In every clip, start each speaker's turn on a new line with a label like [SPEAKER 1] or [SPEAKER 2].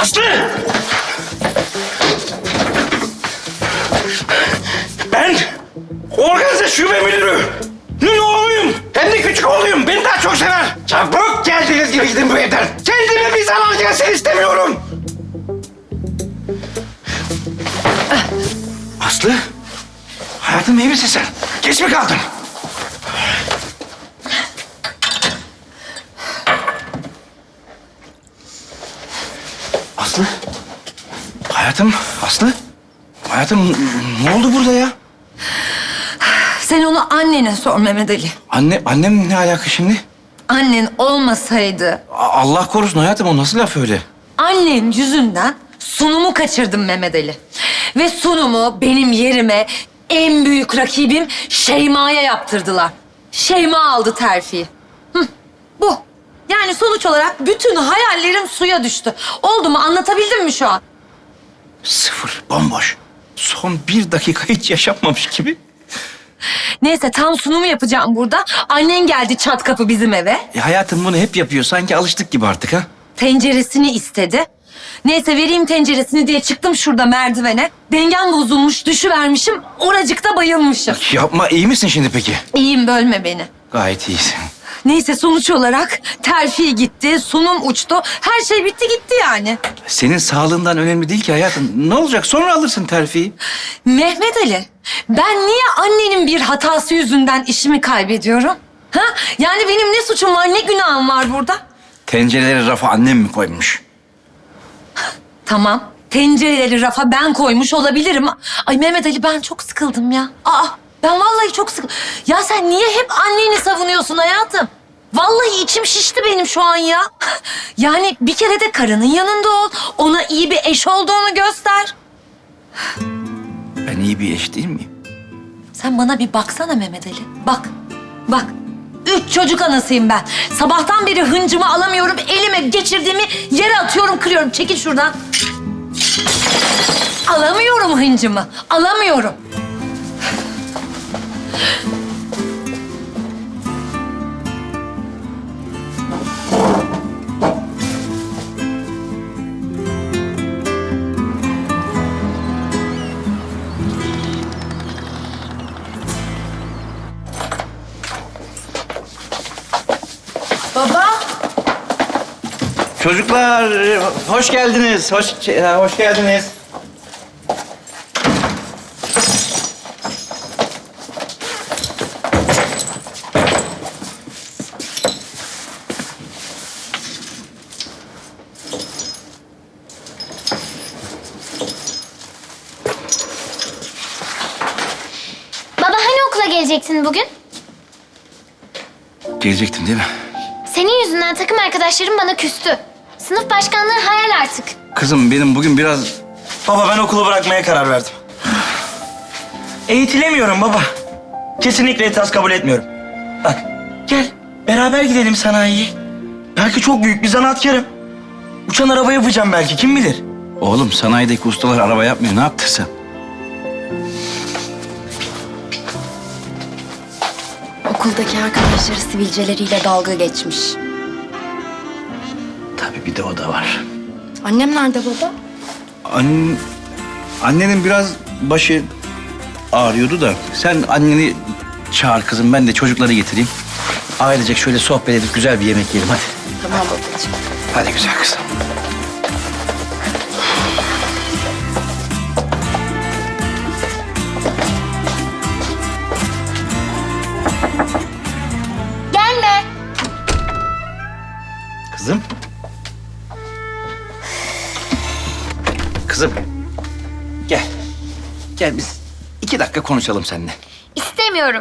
[SPEAKER 1] Aslı! Ben organize şube müdürü. Ne oğluyum? Hem de küçük oğluyum. Beni daha çok sever. Çabuk geldiğiniz gibi gidin bu evden. Kendime bir zarar gelsin istemiyorum. Aslı, hayatım iyi misin sen? Geç mi kaldın? Aslı, hayatım, Aslı. Hayatım, ne oldu burada ya?
[SPEAKER 2] Sen onu annene sor Mehmet Ali.
[SPEAKER 1] Annem ne alaka şimdi?
[SPEAKER 2] Annen olmasaydı
[SPEAKER 1] Allah korusun hayatım, o nasıl laf öyle?
[SPEAKER 2] annen yüzünden sunumu kaçırdım Mehmet Ali. Ve sunumu benim yerime en büyük rakibim Şeyma'ya yaptırdılar. Şeyma aldı terfiyi. Bu. Yani sonuç olarak bütün hayallerim suya düştü. Oldu mu? Anlatabildim mi şu an?
[SPEAKER 1] Sıfır, bomboş. Son 1 dakika hiç yaşanmamış gibi.
[SPEAKER 2] Neyse tam sunumu yapacağım burada. Annen geldi çat kapı bizim eve.
[SPEAKER 1] Hayatım bunu hep yapıyor. Sanki alıştık gibi artık ha.
[SPEAKER 2] Tenceresini istedi. Neyse vereyim tenceresini diye çıktım şurada merdivene. Dengem bozulmuş, düşüvermişim. Oracıkta bayılmışım.
[SPEAKER 1] Yapma, iyi misin şimdi peki?
[SPEAKER 2] İyiyim, bölme beni.
[SPEAKER 1] Gayet iyisin.
[SPEAKER 2] Neyse sonuç olarak terfi gitti, sunum uçtu. Her şey bitti gitti yani.
[SPEAKER 1] Senin sağlığından önemli değil ki hayatım. Ne olacak? Sonra alırsın terfiyi.
[SPEAKER 2] Mehmet Ali, ben niye annenin bir hatası yüzünden işimi kaybediyorum? Ha? Yani benim ne suçum var, ne günahım var burada?
[SPEAKER 1] Tencereleri rafa annem mi koymuş?
[SPEAKER 2] Tamam, tencereleri rafa ben koymuş olabilirim. Ay Mehmet Ali, ben çok sıkıldım ya. Ben vallahi çok sıkıldım. Ya sen niye hep anneni savunuyorsun hayatım? Vallahi içim şişti benim şu an ya. Yani bir kere de karının yanında ol. Ona iyi bir eş olduğunu göster.
[SPEAKER 1] Ben iyi bir eş değil miyim?
[SPEAKER 2] Sen bana bir baksana Mehmet Ali. Bak, bak. 3 çocuk anasıyım ben. Sabahtan beri hıncımı alamıyorum. Elime geçirdiğimi yere atıyorum, kırıyorum. Çekil şuradan. Alamıyorum hıncımı. Alamıyorum.
[SPEAKER 3] Baba.
[SPEAKER 1] Çocuklar, hoş geldiniz. Hoş geldiniz.
[SPEAKER 3] Baba hani okula gelecektin bugün?
[SPEAKER 1] Gelecektim değil mi?
[SPEAKER 3] Senin yüzünden takım arkadaşlarım bana küstü. Sınıf başkanlığı hayal artık.
[SPEAKER 1] Kızım benim bugün biraz...
[SPEAKER 4] Baba ben okulu bırakmaya karar verdim. Eğitilemiyorum baba. Kesinlikle itiraz kabul etmiyorum. Bak gel beraber gidelim sanayiye. Belki çok büyük bir zanaatkarım. Uçan araba yapacağım belki, kim bilir.
[SPEAKER 1] Oğlum sanayideki ustalar araba yapmıyor. Ne yaptın sen?
[SPEAKER 5] Okuldaki arkadaşları sivilceleriyle dalga geçmiş.
[SPEAKER 1] Tabii bir de o da var.
[SPEAKER 5] Annem nerede baba?
[SPEAKER 1] Annenin biraz başı ağrıyordu da sen anneni çağır kızım, ben de çocukları getireyim. Ailecek şöyle sohbet edip güzel bir yemek yiyelim hadi.
[SPEAKER 5] Tamam babacığım.
[SPEAKER 1] Hadi güzel kızım.
[SPEAKER 3] Gelme.
[SPEAKER 1] Kızım. Kızım. Gel. Gel biz 2 dakika konuşalım seninle.
[SPEAKER 3] İstemiyorum.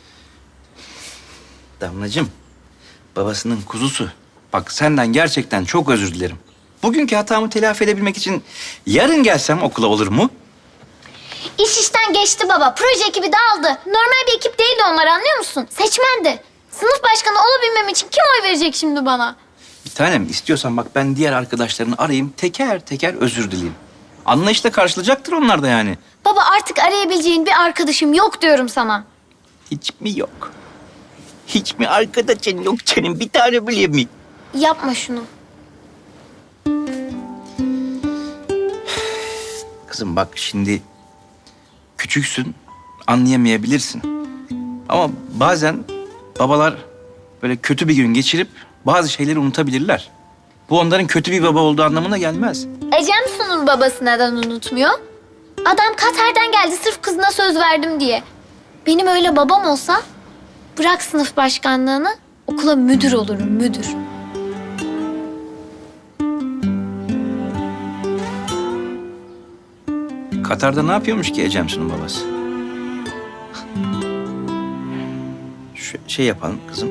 [SPEAKER 1] Damlacığım, babasının kuzusu. Bak senden gerçekten çok özür dilerim. Bugünkü hatamı telafi edebilmek için yarın gelsem okula olur mu?
[SPEAKER 3] İş işten geçti baba. Proje ekibi dağıldı. Normal bir ekip değildi onlar, anlıyor musun? Seçmendi. Sınıf başkanı olabilmem için kim oy verecek şimdi bana?
[SPEAKER 1] Bir tanem istiyorsan bak ben diğer arkadaşlarını arayayım, teker teker özür dileyeyim. Anlayışla karşılayacaktır onlar da yani.
[SPEAKER 3] Baba artık arayabileceğin bir arkadaşım yok diyorum sana.
[SPEAKER 1] Hiç mi yok? Hiç mi arkadaşın yok senin bir tane bile mi?
[SPEAKER 3] Yapma şunu.
[SPEAKER 1] Kızım bak şimdi küçüksün, anlayamayabilirsin. Ama bazen babalar böyle kötü bir gün geçirip bazı şeyleri unutabilirler. Bu onların kötü bir baba olduğu anlamına gelmez.
[SPEAKER 3] Ecem Su'nun babası neden unutmuyor? Adam Katar'dan geldi sırf kızına söz verdim diye. Benim öyle babam olsa bırak sınıf başkanlığını okula müdür olurum müdür.
[SPEAKER 1] Katar'da ne yapıyormuş ki Ecemsu'nun babası? Şey yapalım kızım.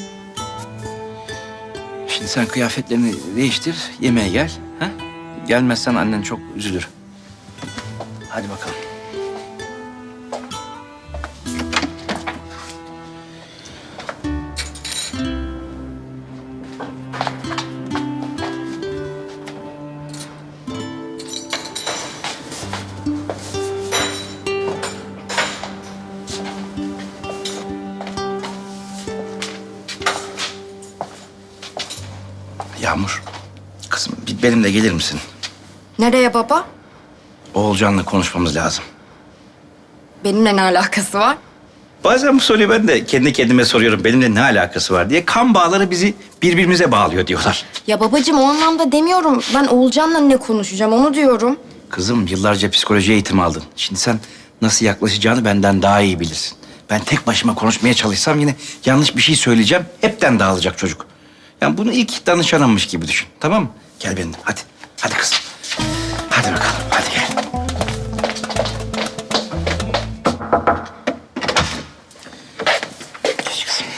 [SPEAKER 1] Şimdi sen kıyafetlerini değiştir, yemeğe gel. Ha? Gelmezsen annen çok üzülür. Hadi bakalım. Yağmur, kızım benimle gelir misin?
[SPEAKER 5] Nereye baba?
[SPEAKER 1] Oğulcan'la konuşmamız lazım.
[SPEAKER 5] Benimle ne alakası var?
[SPEAKER 1] Bazen bu soruyu ben de kendi kendime soruyorum. Benimle ne alakası var diye. Kan bağları bizi birbirimize bağlıyor diyorlar.
[SPEAKER 5] Ya babacığım o anlamda demiyorum. Ben Oğulcan'la ne konuşacağım onu diyorum.
[SPEAKER 1] Kızım yıllarca psikoloji eğitimi aldın. Şimdi sen nasıl yaklaşacağını benden daha iyi bilirsin. Ben tek başıma konuşmaya çalışsam yine yanlış bir şey söyleyeceğim. Hepten dağılacak çocuk. Yani bunu ilk danışanımmış gibi düşün. Tamam mı? Gel benimle hadi. Hadi kızım. Hadi bakalım. Hadi gel. Geç kızım.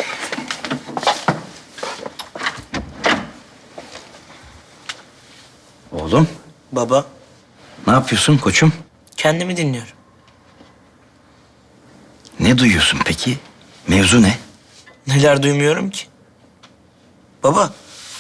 [SPEAKER 1] Oğlum
[SPEAKER 4] Baba,
[SPEAKER 1] ne yapıyorsun koçum?
[SPEAKER 4] kendimi dinliyorum.
[SPEAKER 1] Ne duyuyorsun peki? Mevzu ne?
[SPEAKER 4] Neler duymuyorum ki? Baba,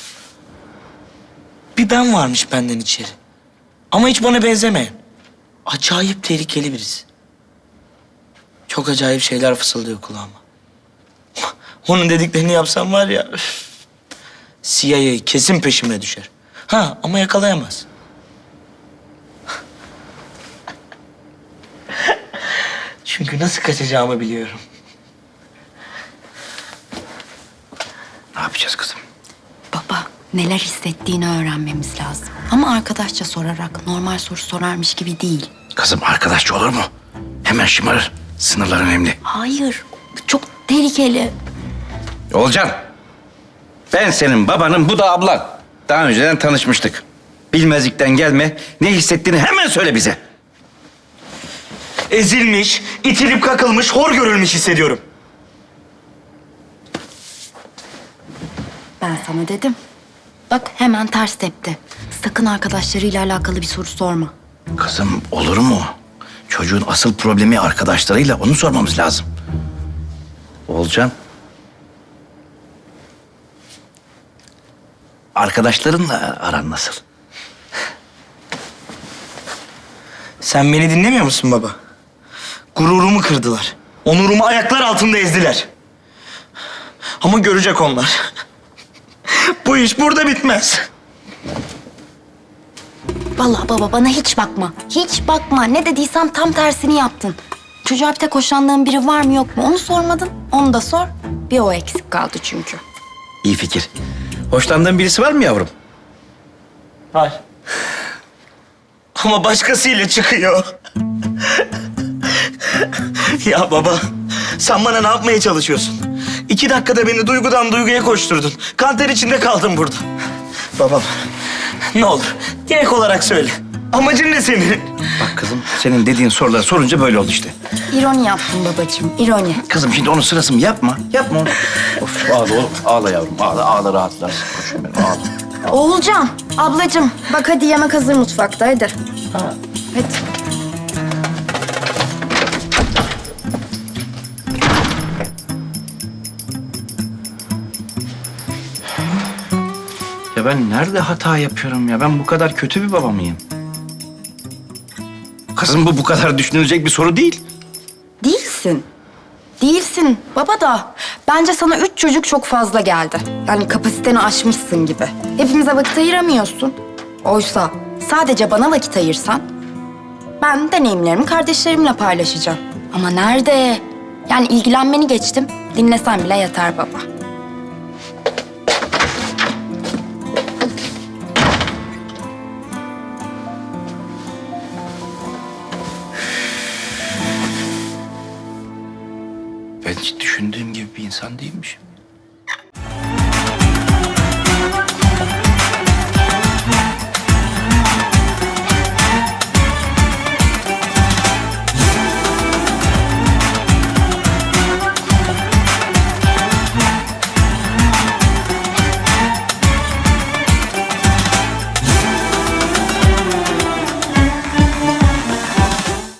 [SPEAKER 4] bir ben varmış benden içeri. Ama hiç bana benzemeyen. Acayip tehlikeli birisi. Çok acayip şeyler fısıldıyor kulağıma. Onun dediklerini yapsam var ya... üf, CIA kesin peşime düşer. Ha ama yakalayamaz. Çünkü nasıl kaçacağımı biliyorum.
[SPEAKER 1] Ne yapacağız kızım?
[SPEAKER 5] Baba neler hissettiğini öğrenmemiz lazım. Ama arkadaşça sorarak normal soru sorarmış gibi değil.
[SPEAKER 1] Kızım arkadaşça olur mu? Hemen şımarır. Sınırlar önemli.
[SPEAKER 5] Hayır çok tehlikeli.
[SPEAKER 1] Olcan. Ben senin babanım, bu da ablan. Daha önceden tanışmıştık. Bilmezlikten gelme. Ne hissettiğini hemen söyle bize.
[SPEAKER 4] Ezilmiş, itilip kakılmış, hor görülmüş hissediyorum.
[SPEAKER 5] Ben sana dedim. Bak hemen ters tepti. Sakın arkadaşlarıyla alakalı bir soru sorma.
[SPEAKER 1] Kızım olur mu? Çocuğun asıl problemi arkadaşlarıyla, onu sormamız lazım. Olcan. Arkadaşlarınla aran nasıl?
[SPEAKER 4] Sen beni dinlemiyor musun baba? Gururumu kırdılar. Onurumu ayaklar altında ezdiler. Ama görecek onlar. Bu iş burada bitmez.
[SPEAKER 5] Vallahi baba bana hiç bakma. Hiç bakma. Ne dediysem tam tersini yaptın. Çocuğa bir tek hoşlandığın biri var mı yok mu onu sormadın. Onu da sor. Bir o eksik kaldı çünkü.
[SPEAKER 1] İyi fikir. Hoşlandığın birisi var mı yavrum?
[SPEAKER 4] Var. Ama başkasıyla çıkıyor. Ya baba, sen bana ne yapmaya çalışıyorsun? 2 dakikada beni duygudan duyguya koşturdun. Kanter içinde kaldım burada. Babam, ne olur direkt olarak söyle. Amacın ne senin?
[SPEAKER 1] Bak kızım, senin dediğin soruları sorunca böyle oldu işte.
[SPEAKER 5] İroni yaptın babacığım, ironi.
[SPEAKER 1] Kızım şimdi onun sırası mı? Yapma, yapma onu. Of ağla oğlum, ağla yavrum, ağla, ağla rahatlarsın. Koşun benim, ağla.
[SPEAKER 5] Oğulcan, ablacığım bak hadi yemek hazır mutfakta hadi.
[SPEAKER 4] Ha.
[SPEAKER 5] Hadi.
[SPEAKER 1] Ya ben nerede hata yapıyorum ya? Ben bu kadar kötü bir baba mıyım? Kızım bu kadar düşünülecek bir soru değil.
[SPEAKER 5] Değilsin. Değilsin baba da. Bence sana 3 çocuk çok fazla geldi. Yani kapasiteni aşmışsın gibi. Hepimize vakit ayıramıyorsun. Oysa sadece bana vakit ayırsan Ben deneyimlerimi kardeşlerimle paylaşacağım. Ama nerede? Yani ilgilenmeni geçtim. Dinlesen bile yeter baba.
[SPEAKER 1] Ben hiç düşündüğüm gibi bir insan değilmişim.